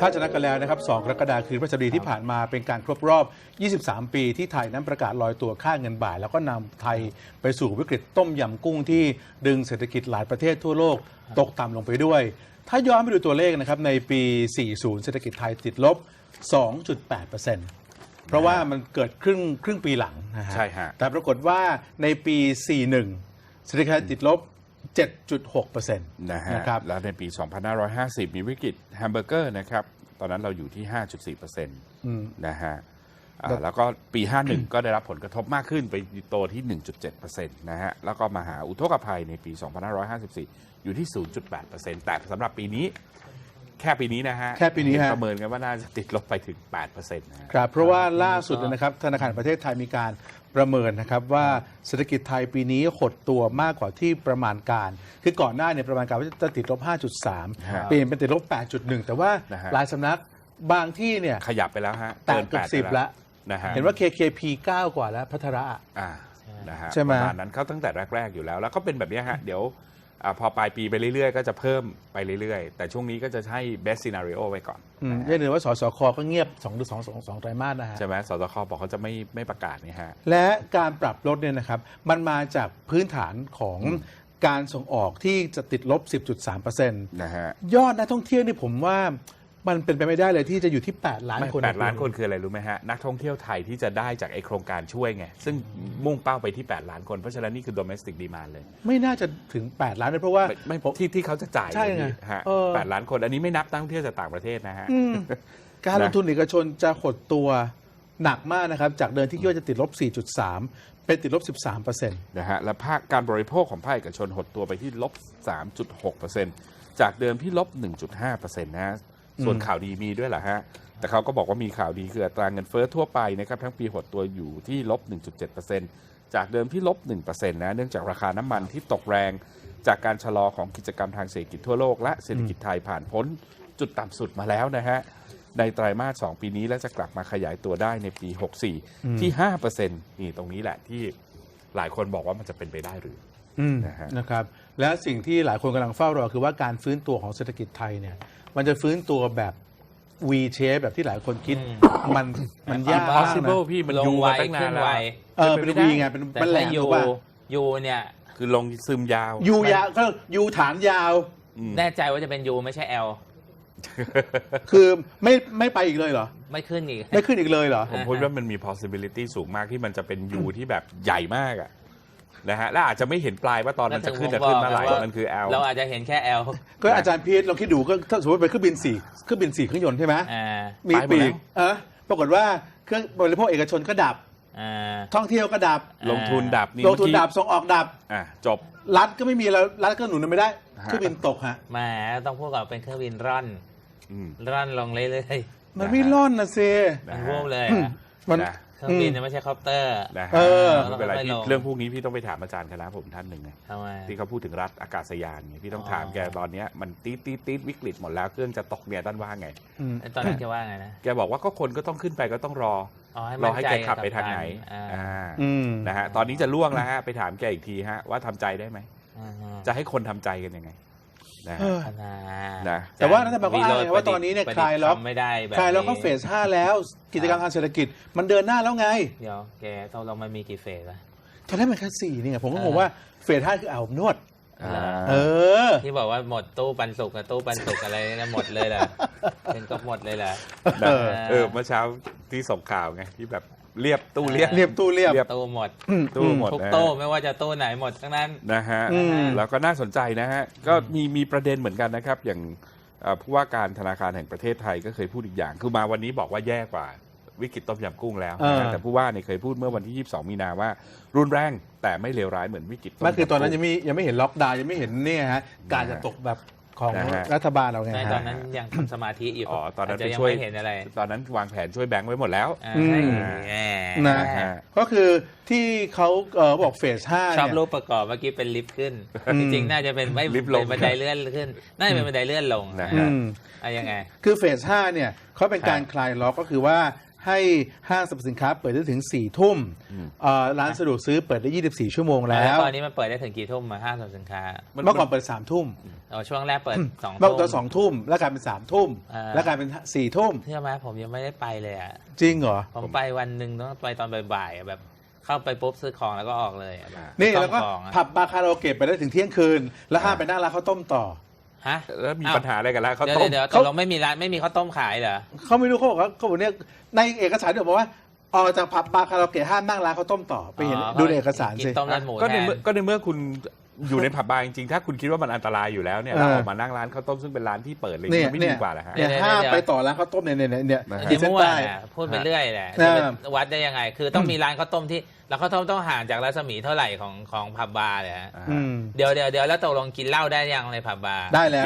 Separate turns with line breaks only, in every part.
ถ้าจะนัดกันแล้วนะครับ2 กรกฎาคมคือพฤหัสบดีที่ผ่านมาเป็นการครบรอบ 23 ปีที่ไทยนั้นประกาศลอยตัวค่าเงินบาทแล้วก็นำไทยไปสู่วิกฤตต้มยำกุ้งที่ดึงเศรษฐกิจหลายประเทศทั่วโลกตกต่ำลงไปด้วย ถ้าย้อนไปดูตัวเลขนะครับในปี 40 เศรษฐกิจไทยติดลบ 2.8%เพราะว่ามันเกิดครึ่งปีหลังนะฮะ
ใช่ฮะ
แต่ปรากฏว่าในปี 41 เศรษฐกิจไทยติดลบ 7.6% นะครับ
แล้วในปี 2550 มีวิกฤตแฮมเบอร์เกอร์นะครับตอนนั้นเราอยู่ที่ 5.4% นะฮะแล้วก็ปี 51 ก็ได้รับผลกระทบมากขึ้นไปโตที่ 1.7% นะฮะแล้วก็มหาอุทกภัยในปี 2554 อยู่ที่ 0.8% แต่สำหรับปีนี้แค่ปีนี้นะฮะ
แค่ปีนี้ฮะ
ประเมินกันว่าน่าจะติดลบไปถึง 8% นะฮะ
ครับเพราะว่าล่าสุดนะครับธนาคารแห่งประเทศไทยมีการประเมินนะครับว่าเศรษฐกิจไทยปีนี้หดตัวมากกว่าที่ประมาณการคือก่อนหน้าเนี่ยประมาณการว่าจะติดลบ 5.3 เปลี่ยนเป็นติดลบ 8.1 แต่ว่า
นะฮะ
หลายสำนักบางที่เนี่ย
ขยับไปแล้วฮะ
แตะเกือบ10แล้ว
นะฮะ
เห็นว่า KKP 9 กว่าแล้วพัทระ
นะฮะ
ใช่ไหม
ประมาณนั้นเขาตั้งแต่แรกๆอยู่แล้ว แล้วก็เป็นแบบนี้ฮะเดี๋ยวพอปลายปีไปเรื่อยๆ ก็จะเพิ่มไปเรื่อยๆ แต่ช่วงนี้ก็จะให้ best scenario ไว้ก่อน
อย่าลืมว่าสสคก็เงียบ2 ไตรมาสนะฮะ
ใช่ไหมสสคบอกเขาจะไม่ประกาศนี่ฮะ
และการปรับลดเนี่ยนะครับมันมาจากพื้นฐานของการส่งออกที่จะติดลบ 10.3%
นะฮะ
ยอดนักท่องเที่ยวนี่ผมว่ามันเป็นไปไม่ได้เลยที่จะอยู่ที่ 8 ล้านคน
8 ล้านคนคืออะไรรู้ไหมฮะ นักท่องเที่ยวไทยที่จะได้จากไอโครงการช่วยไง ซึ่งมุ่งเป้าไปที่ 8 ล้านคน เพราะฉะนั้นนี่คือ domestic demand เลย
ไม่น่าจะถึง 8 ล้านเลยเพราะว่า
ไม่ที่เขาจะจ่าย
ใช่ไง
ฮะ
เออ
8 ล้านคน อันนี้ไม่นับนักท่องเที่ยวจากต่างประเทศนะฮะ
การลงทุนเอกชนจะหดตัวหนักมากนะครับ จากเดิมที่คิดว่าจะติดลบ 4.3 เป็นติดลบ 13%
นะฮะและภาคการบริโภคของภาคเอกชนหดตัวไปที่ลบ 3.6% จากเดิมที่ลบ 1.5% นะฮะส่วนข่าวดีมีด้วยเหรอฮะแต่เขาก็บอกว่ามีข่าวดีคืออัตราเงินเฟ้อทั่วไปนะครับทั้งปีหดตัวอยู่ที่ลบ 1.7% จากเดิมที่ลบ 1% นะเนื่องจากราคาน้ำมันที่ตกแรงจากการชะลอของกิจกรรมทางเศรษฐกิจทั่วโลกและเศรษฐกิจไทยผ่านพ้นจุดต่ำสุดมาแล้วนะฮะในไตรมาส 2 ปีนี้และจะกลับมาขยายตัวได้ในปี 64 ที่ 5% นี่ตรงนี้แหละที่หลายคนบอกว่ามันจะเป็นไปได้หรือ
นะครับและสิ่งที่หลายคนกำลังเฝ้ารอคือว่าการฟื้นตัวของเศรษฐกิจไทยเนี่ยมันจะฟื้นตัวแบบ V shape แบบที่หลายคนคิดมันยากมากนะ
impossible พี่มันยูมาตั้งนานแล้ว
เป็น V ไงเป็น
แต่
แหล
ถ้าม ยู
ถูกป่ะ
ยูเนี่ย
คือลงซึมยาว
ยูยาวก็ยูฐานยาว
แน่ใจว่าจะเป็นยูไม่ใช่แอล
คือไม่ไปอีกเลยเหรอ
ไม่ขึ้นอีก
ไม่ขึ้นอีกเลยเหรอ
ผมพูดว่ามันมี possibility สูงมากที่มันจะเป็นยูที่แบบใหญ่มากอะนะฮะและอาจจะไม่เห็นปลายว่าตอนมันจะขึ้นเมื่อไหร่มันคือ L
เราอาจจะเห็นแค่แอล
ก็อาจารย์พีทลองคิดดูก็ถ้าสมมติเป็นเครื่องบิน4เครื่องยนต์ใช่ไหมมีปีกปรากฏว่าเครื่องบริโภคเอกชนก็ดับท่องเที่ยวก็ดับ
ลงทุนดับ
ลงทุนดับส่งออกดับ
จบ
รัฐก็ไม่มีแล้วรัฐก็หนุนไม่ได้เครื่องบินตกฮะ
แหมต้องพูดก่อนเป็นเครื่องบินร่อนลงเรื่อย
มันไม่ร่อนนะเซ
ๆมันวูบเลย
มัน
เครื่องบินไม่ใช่คอปเตอร์
นะฮะไม่เป็นไรพี่เรื่องพวกนี้พี่ต้องไปถามอาจารย์คณะผมท่านหนึ่งไงที่เขาพูดถึงรัฐอากาศยานไงพี่ต้องถามแกตอนนี้มันตีดวิกฤตหมดแล้วเครื่องจะตกเนี่ยท่านว่าไง
ตอนนั้นแกว่าไงนะ
แกบอกว่าก็คนก็ต้องขึ้นไปก็ต้องรอให้แกขับไปทางไหนนะฮะตอนนี้จะล่วงแล้วฮะไปถามแกอีกทีฮะว่าทำใจได้ไหมจะให้คนทำใจกันยังไงนะ
แต่ว่ารัฐบาลก็อ้างว่าตอนนี้เนี่ยคลายล็อก
ไม่ได้
คลายล็อกก็เฟส 5 แล้วกิจกรรมทางเศรษฐกิจมันเดินหน้าแล้วไง
เดี๋ยวแกตกลงมันมีกี่เฟสอะ
ตอนแรกมันแค่4นี่ไงผมก็งงว่าเฟส 5 คืออาบอบนวด
ที่บอกว่าหมดตู้ปันสุกกับตู้ปันสุกอะไรนะหมดเลยแหละเป็นก็หมดเลยแหละ
เมื่อเช้าที่ส่งข่าวไงที่แบบเรียบตู้เรียบ
ตู้
หมด
ทุ
กตู้ไม่ว่าจะตู้ไหนหมดทั้งนั้น
นะฮะแล้วก็น่าสนใจนะฮะก็มีประเด็นเหมือนกันนะครับอย่างผู้ว่าการธนาคารแห่งประเทศไทยก็เคยพูดอีกอย่างคือมาวันนี้บอกว่าแย่กว่าวิกฤตต้มยำกุ้งแล้วแต่ผู้ว่าเนี่ยเคยพูดเมื่อวันที่22 มีนาว่ารุนแรงแต่ไม่เลวร้ายเหมือนวิกฤตต้มยำกุ้ง
คือตอนนั้นยังไม่เห็นล็อกดาวน์ยังไม่เห็นเนี่ยฮะการจะตกแบบของรัฐบาลเราไง
ตอนนั้นยังทำสมาธิอยู่
ตอนนั้น
ยังไม่เห็นอะไร
ตอนนั้นวางแผนช่วยแบงค์ไว้หมดแล้ว
นะก็คือที่เขาบอกเฟส 5
ชอบรูปประกอบเมื่อกี้เป็นลิฟต์ขึ้นจริงๆน่าจะเป็นไม่บันไดเลื่อนขึ้นน่าจะเป็นบันไดเลื่อนลงนะฮะยังไง
คือเฟส 5เนี่ยเขาเป็นการคลายล็อกก็คือว่าให้ห้างสรรพสินค้าเปิดได้ถึง4 ทุ่มร้านสะดวกซื้อเปิดได้24 ชั่วโมงแล้ว
ตอนนี้มันเปิดได้ถึงกี่ทุ่มมาห้างสรรพสินค้า
เมื่อก่อนเปิด3 ทุ่ม
ช่วงแรกเปิด2
เมื่อ
ทุ่ม
ตอน2 ทุ่มแล้วกลายเป็น3 ทุ่มแล้วกลายเป็น4 ทุ่ม
เชื่อไหมผมยังไม่ได้ไปเลยอ่ะ
จริงเหรอ
ผมไปวันหนึ่งต้องไปตอนบ่ายๆแบบเข้าไปปุ๊บซื้อของแล้วก็ออกเลย
นี่แล้วก็ผับบาร์คาราโอเกะไปได้ถึงเที่ยงคืนแล้วห้ามไปนั่งร้านข้าวต้มต่อ
ฮะ
แล้วมีปัญหาอะไรกันแล้วเขาต้ม
เดี๋ยวตกลงไม่มีร้านไม่มีข้าวต้มขายเหรอ
เขาไม่รู้เขาบอกเนี่ยในเอกสารเดี๋ยวบอกว่าออกจากผับบาร์คาราโอเกะห้ามนั่งร้านข้าวต้มต่อไปเห็นดูในเอกสารสิ
ก็ในเมื่อคุณอยู่ในผับบาร์จริงๆถ้าคุณคิดว่ามันอันตรายอยู่แล้วเนี่ยเราออกมานั่งร้านข้าวต้มซึ่งเป็นร้านที่เปิดเลยไม่ดีกว่าเหรอฮะ
เนี่ยห้ามไปต่อร้านข้าวต้มเนี่ย
ที่มั่วพูดไปเรื่อยแหละวัดได้ยังไงคือต้องมีร้านข้าวต้มที่แล้วข้าวต้มต้องห่างจากรัศมีเท่าไหร่ของผับบาร์เลยฮะเดี๋ยวแล้วตกลงกินเหล้าได้ยังในผับบาร์
ได้แล้ว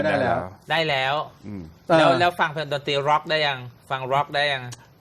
แล้วฟังเพลงดนตรีร็อกได้ยังฟังร็อกได้ยัง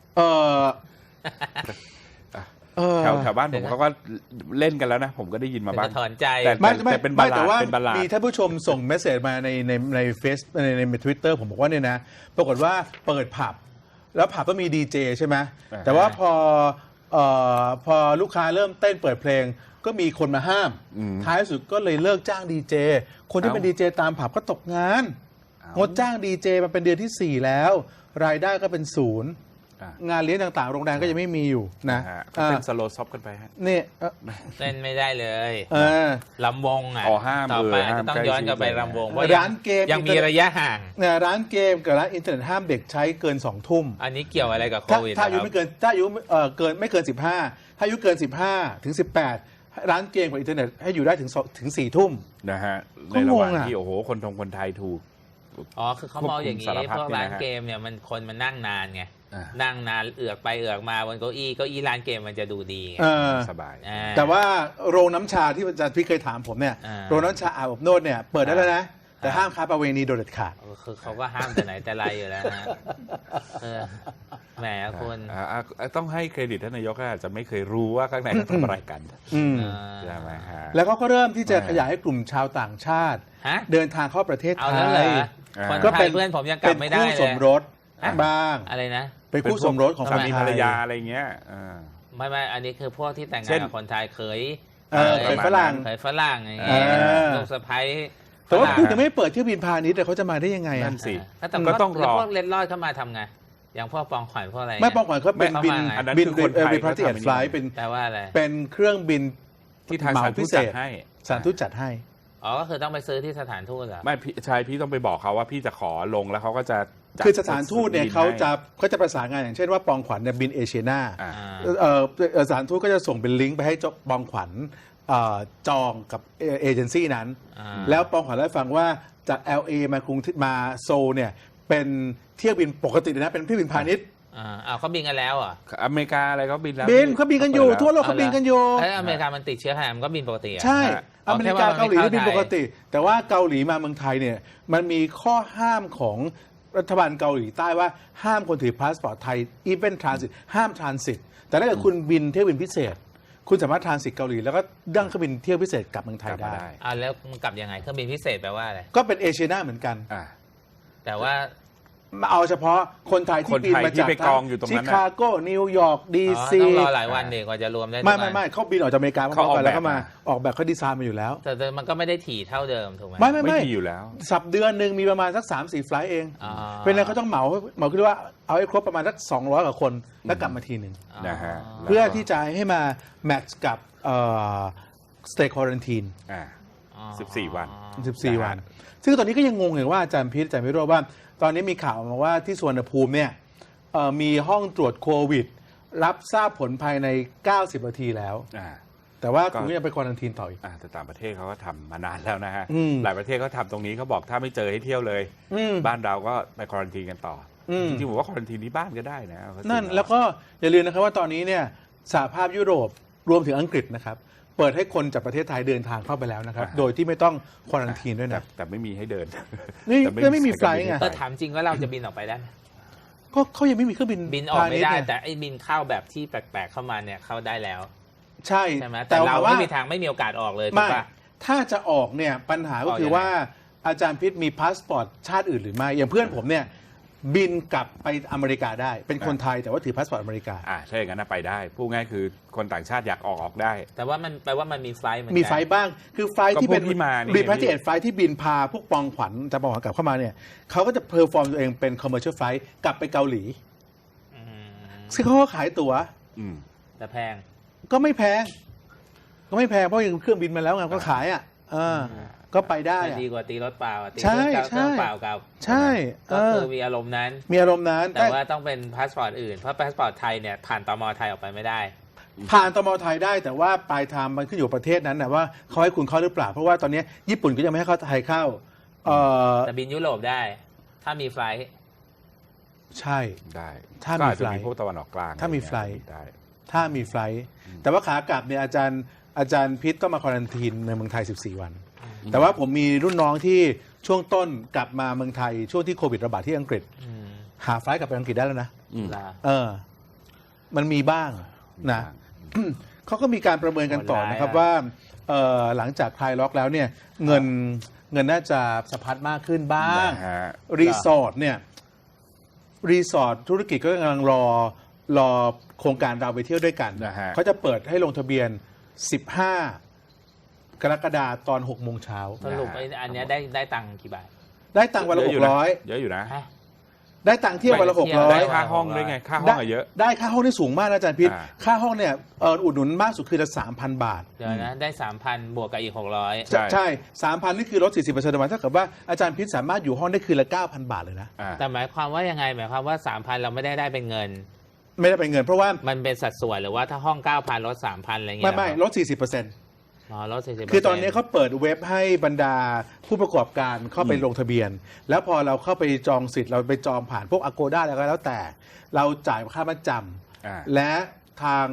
แถวบ้านผมเขาก็เล่นกันแล้วนะผมก็ได้ยินมาบ้าง
ถอนใจ
แต่เป็นบาลาดเป็นบาลาด
มีท่านผู้ชมส่งเมสเซจมาในเฟซในทวิตเตอร์ผมบอกว่าเนี่ยนะปรากฏว่าเปิดผับแล้วผับก็มีดีเจใช่ไหมแต่ว่าพอลูกค้าเริ่มเต้นเปิดเพลงก็มีคนมาห้ามท้ายสุดก็เลยเลิกจ้างดีเจคนที่เป็นดีเจตามผับก็ตกงานงดจ้างดีเจมาเป็นเดือนที่4แล้วรายได้ก็เป็น0งานเลี้ยงต่างๆโรงแรมก็ยังไม่มีอยู่นะ
ก็เป็นสโลว์ซ็อปกันไปฮะ
นี่
เล่นไม่ได้เลยลำวง
ห้าม
ต่อไปต้องย้อนกลับไปลำวง
ร้านเกม
ยังมีระยะห่าง
ร้านเกมกับร้านอินเทอร์เน็ตห้ามเด็กใช้เกิน2 ทุ่ม
อันนี้เกี่ยวอะไรกับโควิด
ถ้าอายุไม่เกินไม่เกิน15ถ้าอายุเกิน15ถึง18ร้านเกมกับอินเทอร์เน็ตให้อยู่ได้ถึง4 ทุ่ม
นะฮะในระหว่างที่โอ้โหคนไทยถูก
คือเขามองอย่างนี้พวกร้านเกมเนี่ยคนมันนั่งนานไงนั่งนานเอือกไปเอือกมาบนเก้าอี้ร้านเกมมันจะดูดีไง
สบาย
แต่ว่าโรงน้ำชาที่อาจารย์พี่เคยถามผมเนี่ยโรงน้ำชาอาบอบนวดเนี่ยเปิดได้แล้วนะแต่ห้ามค้าประเวณีโดยเด็ดขาด
คือเขาก็ห้ามแต่ไหนแต่ไรอยู่แล้วนะแหมคุณ
ต้องให้เครดิตท่านนายกอาจจะไม่เคยรู้ว่าข้างในเขาทำอะไรกันใช่ไหมฮะ
แล้วก็เริ่มที่จะขยายให้กลุ่มชาวต่างชาติเดินทางเข้าประเทศไทย
ก็เป็นเพื่อนผมยังกลับไม่ได้เลย
คู่สมรสบ้าง
อะไรนะ
เป็นคู่สมรสของ
สามีภรรยาอะไรเงี้ย
ไม่อันนี้คือพวกที่แต่งงานกับคนไทยเคย
ฝรั่ง
อย่างเงี้ยลูกสะใภ้
แต่ว่าคุณจะไม่เปิดเที่ยวบินพาณิชย์แต่เขาจะมาได้ยังไง
นั่นสิ
ก็ต้องรอพวกเล็ดลอดเข้ามาทำไงอย่างพวกปองขวัญพวกอะไร
ไม่ปองขวัญเขาเป็นบินพาร์ตี้แอนด์ไฟล์เป็น
แปลว่าอะไร
เป็นเครื่องบิน
ที่ทางสถานทูตจัดให้
สถานทูตจัดให้
ก็คือต้องไปซื้อที่สถานทูตเหรอ
ไม่ใช่พี่ต้องไปบอกเขาว่าพี่จะขอลงแล้วเขาก็จะ
คือสถานทูตเนี่ยเขาจะประสานงานอย่างเช่นว่าปองขวัญเนี่ยบินเอเชียนาสถานทูตก็จะส่งเป็นลิงก์ไปให้ปองขวัญจองกับเอเจนซี่นั้นแล้วปองขวัญได้ฟังว่าจาก LA มาโซลเนี่ยเป็นเที่ยวบินปกตินะเป็นเที่ยวบินพาณิชย์
เขาบินกันแล้ว
อเมริกาอะไรเขาบินแล้ว
เขาบินกันอยู่ทั่วโลกเขาบินกันอยู่
อเมริกามันติดเชื้อขนาดมันก็บินปกติ
ใช่อเมริกาเกาหลีบินปกติแต่ว่าเกาหลีมาเมืองไทยเนี่ยมันมีข้อห้ามของรัฐบาลเกาหลีใต้ว่าห้ามคนถือพาสปอร์ตไทยอีเวนต์ทรานสิตห้ามทรานสิตแต่ถ้าเกิดคุณบินเที่ยวบินพิเศษคุณสามารถทรานสิตเกาหลีแล้วก็ดั้งเครื่องบินเที่ยวพิเศษกลับเมืองไทยได้
แล้วมันกลับยังไงเครื่องบินพิเศษแปลว่าอะไร
ก็เป็นเอเชียนาเหมือนกัน
แต่ว่า
มาเอาเฉพาะคนไทยที่บินมาจากชิคาโกนิวยอร์กดีซี
ต้องรอหลายวันเด็กว่าจะรวมได้
ไม่เขาบินออกจากอเมริกาเขาไปแล้วก็มาออกแบบเขาดีไซน์มาอยู่แล้ว
แต่มันก็ไม่ได้ถี่เท่าเดิมถูกไหม
ไม่
ถี่อยู่แล้ว
สัปเดือนหนึ่งมีประมาณสัก 3-4 ไฟล์เองเป็นอะไรเขาต้องเหมาคิดว่าเอาให้ครบประมาณสัก200 กว่าคนแล้วกลับมาทีหนึ่ง
นะฮะ
เพื่อที่จะให้มาแมทช์กับstay quarantine
14 วัน
ซึ่งตอนนี้ก็ยังงงอยู่ว่าอาจารย์พิษอาจารย์วิโรจน์ว่าตอนนี้มีข่าวมาว่าที่สุวรรณภูมิเนี่ยมีห้องตรวจโควิดรับทราบผลภายใน90 นาทีแล้วแต่ว่าคุณก็ยังไปควอรันทีนต่ออีก
แต่ต่างประเทศเขาก็ทำมานานแล้วนะฮะหลายประเทศเขาทำตรงนี้เขาบอกถ้าไม่เจอให้เที่ยวเลยบ้านเราก็ไปควอรันทีนกันต่อจริงๆผมว่าควอรันทีนที่บ้านก็ได้นะ
นั่นแล้วก็อย่าลืมนะครับว่าตอนนี้เนี่ยสหภาพยุโรปรวมถึงอังกฤษนะครับเปิดให้คนจากประเทศไทยเดินทางเข้าไปแล้วนะครับโดยที่ไม่ต้องควอรันทีนด้วยนะ
แต่ไม่มีให้เดิน
นี่ไม่มีไฟล์ไง
ถามจริงว่าเราจะบินออกไปได้ไหม
ก็เขายังไม่มีเครื่องบิ
นออกไม่ได้แต่ไอ้บินเข้าแบบที่แปลกๆเข้ามาเนี่ยเข้าได้แล้ว
ใช่
ไหมแต่เราไม่มีทางไม่มีโอกาสออกเลยถูกป่ะ
ถ้าจะออกเนี่ยปัญหาก็คือว่าอาจารย์พิษมีพาสปอร์ตชาติอื่นหรือไม่อย่างเพื่อนผมเนี่ยบินกลับไปอเมริกาได้เป็นคนไทยแต่ว่าถือพาสปอร์ตอเมริกา
ถ้าอย่างนั้นไปได้พูดง่ายคือคนต่างชาติอยากออกได้
แต่ว่ามันแปลว่ามันมีไฟล์เหมือนกัน
มีไฟล์บ้างคือไฟล์ที่เป็น
ก็พวกที่มานี่
รีพาร์ติเอทไฟล์ที่บินพาพวกปองขวัญจะปองขวัญกลับเข้ามาเนี่ยเขาก็จะเพอร์ฟอร์มตัวเองเป็นคอมเมอร์เชียลไฟล์กลับไปเกาหลี
อืม
ซึ่งเขาก็ขายตั๋ว
อืม
แต่แพง
ก็ไม่แพงเพราะยังเครื่องบินมาแล้วไงก็ขายก็ไปได้
ไม่ดีกว่าตีรถเปล่าตี
ใช่
รถ
ใช่
เปล่ากับ
ใช่
ก็คือมีอารมณ์นั้น
มีอารมณ์นั้น
แต่ว่าต้องเป็นพาสปอร์ตอื่น เพราะพาสปอร์ตไทยเนี่ยผ่านตมไทยออกไปไม่ได้
ผ่านตมไทยได้แต่ว่าปลายทางมันขึ้นอยู่กับประเทศนั้นนะว่าเขาให้คุณเข้าหรือเปล่าเพราะว่าตอนนี้ญี่ปุ่นก็ยังไม่ให้เข้าไทยเข้า
แต่บินยุโรปได้ ถ้ามีไฟล์
ใช่
ได้
ถ้ามี
ก็อาจจะ
ไฟล์
มีพวกตะวันออกกลาง
ถ้ามี
อะร
ไฟล์
เงี้ยได้
ถ้ามีไฟลท์แต่ว่าขากลับเนี่ยอาจารย์พิษต้องมาควอรันทีนในเมืองไทย 14 วัน แต่ว่าผมมีรุ่นน้องที่ช่วงต้นกลับมาเมืองไทยช่วงที่โควิดระบาดที่อังกฤษ หาไฟลท์กลับไปอังกฤษได้แล้วนะ
อืม
ลา
มันมีบ้างนะเขาก็มีการประเมินกันต่อนะครับว่าหลังจากคลายล็อกแล้วเนี่ยเงินน่าจะสะพัดมากขึ้นบ้าง
นะฮะ
รีสอร์ทเนี่ยรีสอร์ทธุรกิจก็กำลังรอโครงการเราไปเที่ยวด้วยกัน
นะฮะ
เขาจะเปิดให้ลงทะเบียน 15 กรกฎาคมตอน 6 โมงเช้า
สรุปไอ้อันเนี้ยได้ตังค์กี่บาท
ได้ตังค์วันละ
เยอะอยู่นะ
600
เยอะอยู่นะ
ฮะ
ได้ตังค์เที่ยววันละ
ไปเที่ยว
ได้
600
ค่าห้องด้วยไงค่าห้องอะเยอะ
ได้ค่าห้องที่สูงมากนะอาจารย์พิษ
อ่า
ค่าห้องเนี่ยอุดหนุนมากสุดคือละ 3,000 บาท
เดี๋ยวนะได้ 3,000 บวกกับอีก 600
ใช่
ใช่ 3,000 นี่คือลด 40%ประมาณเท่ากับว่าอาจารย์พิษสามารถอยู่ห้องได้คืนละ 9,000 บาทเลยนะ
แต่หมายความว่ายังไงหมายความว่า 3,000 เราไม่ได้เป็นเงิน
ไม่ได้เป็นเงินเพราะว่า
มันเป็นสัดส่วนหรือว่าถ้าห้อง 9,000 ลด 3,000 อะไรเงี้ย
ไม่
เหรอ
ลด 40%
อ๋อลด 40%
คือตอนนี้เขาเปิดเว็บให้บรรดาผู้ประกอบการเข้าไปลงทะเบียน แล้วพอเราเข้าไปจองสิทธิ์เราไปจองผ่านพวก Agoda อะไรก็แล้วแต่ เราจ่ายค่ามัดจ
อ่า
ำและทาง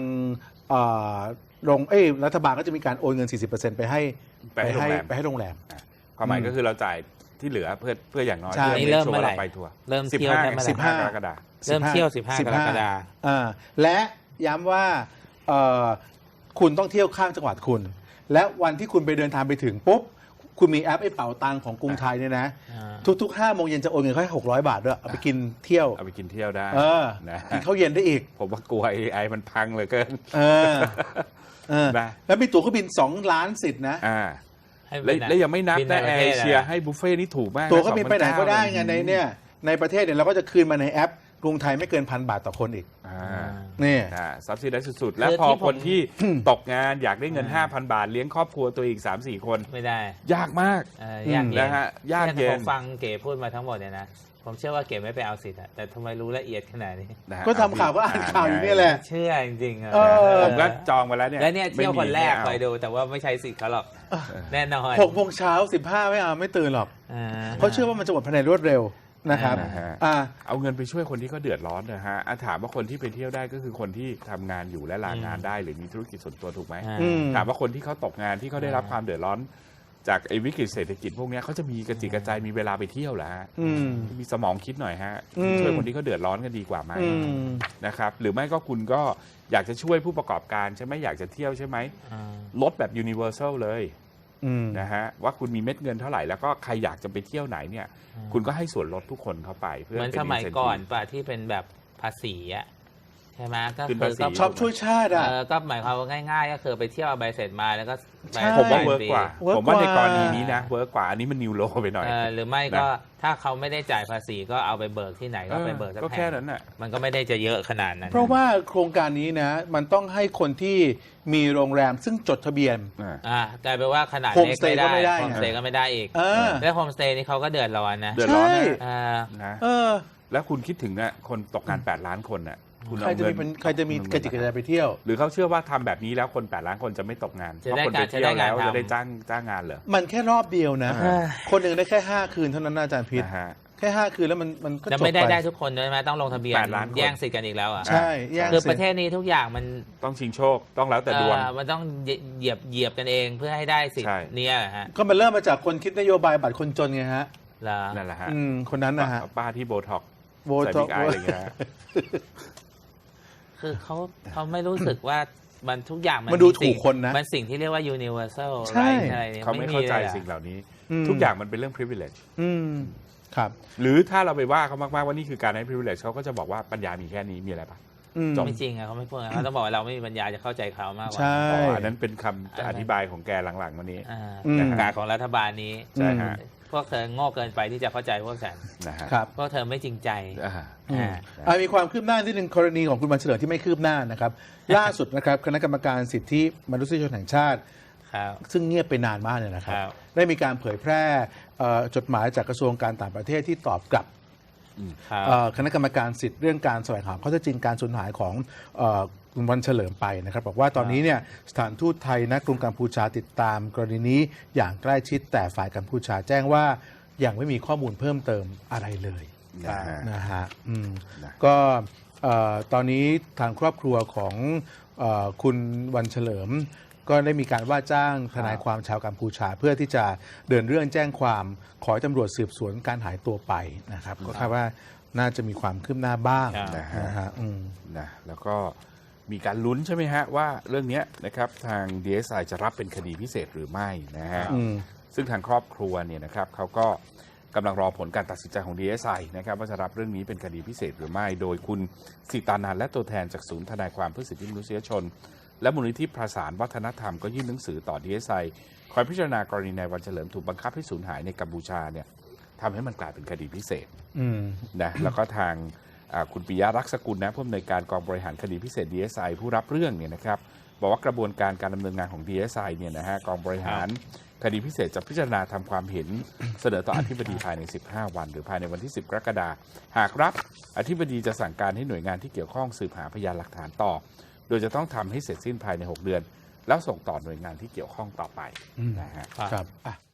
รัฐบาลก็จะมีการโอนเงิน 40%ไปให้
ไปให้โรงแรม
โรงแรม
ความหมายก็คือเราจ่ายที่เหลือเพื่ออย่างน้อย
ใช่
เพื่อ
นี่เริ่ม
ชัว
เมื่อ
ร์
ไหร่
เราไปทัวร์
เริ่มเที่ยวได้เมื่อไหร่
15กรกฎาคม
เริ่มเที่ยว 15 กรกฎาคม
และย้ำว่าคุณต้องเที่ยวข้ามจังหวัดคุณ และวันที่คุณไปเดินทางไปถึงปุ๊บ คุณมีแอปไอ้เป๋าตังของกรุงไทยเนี่ยนะ ทุกๆ 5 โมงเย็นจะโอนเงินให้600 บาทด้วย เอาไปกินเที่ยว
เอาไปกินเที่ยวได้ นะ
กินข้าวเย็นได้อีก
ผมว่ากลัว AI มันพังเหลยเกิน นะ
แล้วมีตั๋วเครื่องบิน 2 ล้านสิทธิ์นะ
ให้
แล้วยังไม่นับ
บิ
นะ
ป
แอ
ระ
ร์
ท
เอ
ศ
เชียให้บุฟเฟ่ต์นี่ถูกมาก
ตั๋วเครื่องบินไปไหนก็ได้ไง
29,000
ในประเทศเนี่ยเราก็จะคืนมาในแอปกรุงไทยไม่เกิน1,000 บาทต่อคนอีก นี่
ซับซิได้สุดๆ แล้วพอคนที่ตกงานอยากได้เงิน 5,000 บาท เลี้ยงครอบครัวตัวอีก 3-4 คน
ไม่ได้
ยากมาก
ยากเย็น
นะฮะยากเย็น
ผมฟังเก๋พูดมาทั้งหมดเนี่ยนะผมเชื่อว่าเก๋ไม่ไปเอาสิทธิ์อะแต่ทำไมรู้ละเอียดขนาดนี้
นะฮะ
ก็ทำข่าวก็อ่านข่าวอยู่เนี่ยแหละ
เชื่อจริงๆอะ
ผมก็จองไปแล้วเนี่ย
แล้วเนี่ยเที่ยวคนแรก
ไม่
ไป
มี
ดูแต่ว่าไม่ใช้สิทธิ์เขาหรอกแน่นอน
6 โมงเช้า 15 ไม่เอาไม่ตื่นหรอก เพราะเชื่อว่ามันจะหมดภายในรวดเร็วนะครับ
นะฮะ
อ่า
เอาเงินไปช่วยคนที่เขาเดือดร้อนนะฮะถามว่าคนที่ไปเที่ยวได้ก็คือคนที่ทำงานอยู่และลางานได้หรือมีธุรกิจส่วนตัวถูกไหม
อืม
ถามว่าคนที่เขาตกงานที่เขาได้รับความเดือดร้อน จากไอ้วิกฤตเศรษฐกิจพวกเนี้ยเขาจะมีกระจิกกระจายมีเวลาไปเที่ยวเหรอฮะ
อืม
มีสมองคิดหน่อยฮะ
อืม
ช่วยคนที่เขาเดือดร้อนกันดีกว่าไหม
อืม
นะครับหรือไม่ก็คุณก็อยากจะช่วยผู้ประกอบการใช่ไหมอยากจะเที่ยวใช่ไหมลดแบบ universal เลย
อืม
นะฮะว่าคุณมีเม็ดเงินเท่าไหร่แล้วก็ใครอยากจะไปเที่ยวไหนเนี่ยคุณก็ให้ส่วนลดทุกคนเข้าไปเพื่อ
เหมือน
ป็
สมัย
incentive
ก่อนป่ะที่เป็นแบบภาษีอะใช่ไหมก็
ขึ้น
คื
ภา
อ
ษี
ก็
ชอบช่วยชาติอ่ะ
ก็หมายความว่าง่ายๆ ก็คือไปเที่ยวเอาใบเสร็จมาแล้วก็
ใช่
ผมว่าเวิร์กกว่า
เวิร์ก
ผมว่าใน
กว่า
กรณีนี้นะเวิร์กกว่าอันนี้มันนิวโลไปหน่อย
หรือไม่ก็ถ้าเขาไม่ได้จ่ายภาษีก็เอาไปเบิกที่ไหนก็ไปเบิกสัก
ก็
แห่
แค่
ง
นั้นน่ะ
มันก็ไม่ได้จะเยอะขนาดนั้น
เพราะว่าโครงการนี้นะ มันต้องให้คนที่มีโรงแรมซึ่งจดทะเบียน
กลายเป็นว่าขนาด
โฮม
เล็ก
สเตย์ก็ไม่ได้
โฮมสเตย์ก็ไม่ได้อีก
เออ
แล้วโฮมสเตย์นี่เขาก็เดือดร้อนนะ
เดือดร้อน
ใช่
นะ
อ่า
นะ
เออ
แล้วคุณคิดถึงนะคนตกงาน8 ล้านคนน่ะคุณ
ใคร
เอา
จะ
เงิ
มี
น
เป็นใครจะมีกระจิกกระใจไปเที่ยว
หรือเขาเชื่อว่าทำแบบนี้แล้วคน8 ล้านคนจะไม่ตกงาน
จะ
เพราะ
ได้
คนไป
จะ
เที่ย
ได้
วแล้ว
งานทำ
จะได้จ้างงานเหรอ
มันแค่รอบเดียวนะ
อ่า
คนหนึ่งได้แค่ 5 คืนเท่านั้นนะอาจารย์พิษ
นะฮะ
แค่ 5 คืนแล้วมันก็จ
จะ
บ
ไม่ได้
ไป
ได้ทุกคนใช่ไหมต้องลงทะเบียน
8 ล้านคน
แย่งสิทธิ์กันอีกแล้วอ่ะ
ใช่แย่ง
คือ
สิ
ประเทศนี้ทุกอย่างมัน
ต้องชิงโชคต้องแล้วแต่ดวง
มันต้องเหยียบกันเองเพื่อให้ได้สิท
ใช่
ธิ์เนี่ยฮะ
ก็มันเริ่มมาจากคนคิดนโยบายบัตรคนจนไงฮะ
เหรอ
นั่นแหละฮะ
คนนั้นนะฮะ
ป้าที่โบท็อก
โบ
ใส่
ท็
บิ๊
อก
กไออะไรอย่างเงี้ยฮะ
คือเขาไม่รู้สึกว่ามันทุกอย่าง
มันดูถูกคนนะ
มันสิ่งที่เรียกว่า universal
ใช่
right อะไรเนี่ย
เขาไม่เข้าใจ
ลยอะ
สิ่งเหล่านี้
อืม
ทุกอย่างมันเป็นเรื่อง privilege
อืมครับ
หรือถ้าเราไปว่าเขามากๆว่านี่คือการให้ privilege เขาก็จะบอกว่าปัญญามีแค่นี้มีอะไรปะ จบ
ไม่จริงอะเขาไม่พูดอะเขาต้องบอกว่าเราไม่มีปัญญาจะเข้าใจเขามากกว่า
ใช่
อ๋ออันนั้นเป็นคำอธิบายของแกหลังๆวันนี้
การของรัฐบาลนี้
ใช่ฮะ
พวกเธอโง่เกินไปที่จะเข้าใจพวกฉัน
นะฮะ
ครับ
พวกเธอไม่จริงใจ
อ่า
มีความคืบหน้าที่หนึ่งกรณีของคุณวันเฉลิมที่ไม่คืบหน้านะครับ ล่าสุดนะครับคณะกรรมการสิทธิมนุษยชนแห่งชาติ
ครับ
ซึ่งเงียบไปนานมากเลยนะครับ
ครับ
ได้มีการเผยแพร่จดหมายจากกระทรวงการต่างประเทศที่ตอบกลับ
ครับ
คณะกรรมการสิทธิ์เรื่องการแสวงหาข้อเท็จจริงการสูญหายของคุณวันเฉลิมไปนะครับบอกว่าตอนนี้เนี่ยสถานทูตไทยณกรุงกัมพูชาติดตามกรณีนี้อย่างใกล้ชิดแต่ฝ่ายกัมพูชาแจ้งว่ายังไม่มีข้อมูลเพิ่มเติมอะไรเลย นะฮะก็ตอนนี้ทางครอบครัวของคุณวันเฉลิม ก็ได้มีการว่าจ้างทนายความชาวกัมพูชา เพื่อที่จะเดินเรื่องแจ้งความขอให้ตำรวจสืบสวนการหายตัวไปนะครับก็คาดว่าน่าจะมีความคืบหน้าบ้าง
นะฮะ
นะฮะ
นะแล้วก็มีการลุ้นใช่ไหมฮะว่าเรื่องนี้นะครับทาง DSI จะรับเป็นคดีพิเศษหรือไม่นะฮะซึ่งทางครอบครัวเนี่ยนะครับเขาก็กำลังรอผลการตัดสินใจของ DSI นะครับว่าจะรับเรื่องนี้เป็นคดีพิเศษหรือไม่ โดยคุณสิตานันท์และตัวแทนจากศูนย์ทนายความเพื่อสิทธิมนุษยชน และมูลนิธิประสานวัฒนธรรมก็ยื่นหนังสือต่อ DSI คอยพิจารณากรณีนายวันเฉลิมถูกบังคับให้สูญหายในกัมพูชาเนี่ยทำให้มันกลายเป็นคดีพิเศษนะแล้วก็ทางคุณปิยะรักษกุลนะผู้อำนวยการกองบริหารคดีพิเศษ DSI ผู้รับเรื่องเนี่ยนะครับบอกว่ากระบวนการการดำเนินงานของ DSI เนี่ยนะฮะกองบริหารคดีพิเศษจะพิจารณาทำความเห็นเสนอต่ออธิบดีภายใน 15 วันหรือภายในวันที่ 10 กรกฎาคมหากรับอธิบดีจะสั่งการให้หน่วยงานที่เกี่ยวข้องสืบหาพยานหลักฐานต่อโดยจะต้องทำให้เสร็จสิ้นภายใน 6 เดือนแล้วส่งต่อหน่วยงานที่เกี่ยวข้องต่อไปนะฮะ
ครับ